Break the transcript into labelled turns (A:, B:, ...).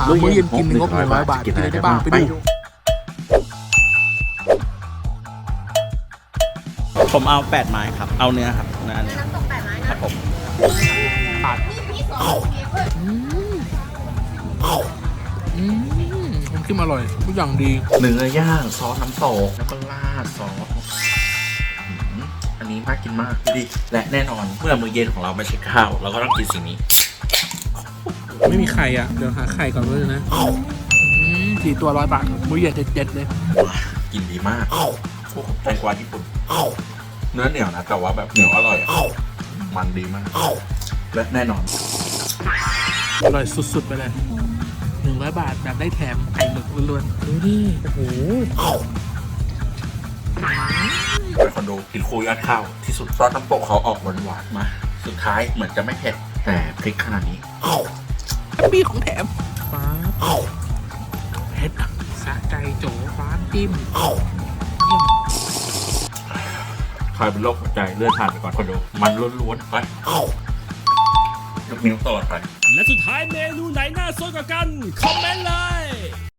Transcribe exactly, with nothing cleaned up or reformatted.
A: หามื้อเย็นกินงบหนึ่งร้อยบาทกินอะไรได้บ้างไปดู
B: ผมเอาแปดไม้ครับเอาเนื้อครับเนื้อ
C: น้ำตกแปดไม้นะครับ
B: ผม
C: นี่มีสองมีเพื่อน
A: อืมอืมน้ำจิ้มอร่อยทุกอย่างดี
B: เนื้อย่างซอสน้ำตกแล้วก็ราดซอสอืมอันนี้น่ากินมากดีและแน่นอนเมื่อมื้อเย็นของเราไม่ใช่ข้าวเราก็ต้องกินสิ่งนี้
A: ไม่มีไข่อ่ะเดี๋ยวหาไข่ก่อนเลยนะอืมสี่ตัวร้อยบาทมื้อเย็นเจ็ดๆเลย
B: กินดีมากพวกแตงกวาญี่ปุ่นเนื้อเหนียวนะแต่ว่าแบบเหนียวอร่อยอะมันดีมากและแน่นอน
A: อร่อยสุดๆไปเลยหนึ่งร้อยบาทแบบได้แถมไข่หมึกล้วนๆดูดิโอ้โห
B: เป็นคนดูกินคุยอัดข้าวที่สุดซอสน้ำตกเขาออกหวานหวานๆมาสุดท้ายเหมือนจะไม่เผ็ดแต่พริกขนาดนี้
A: แฮปปี้ของแถมฟ้าเผ็ดสะใจโจฟ้าจิ้ม
B: ใครเป็นโรคหัวใจเลื่อนผ่านไปก่อนคนดูมันล้วนๆไปยกนิ้วตลอดไป
D: และสุดท้ายเมนูไหนน่าสนกว่ากัน คอมเมนต์เลย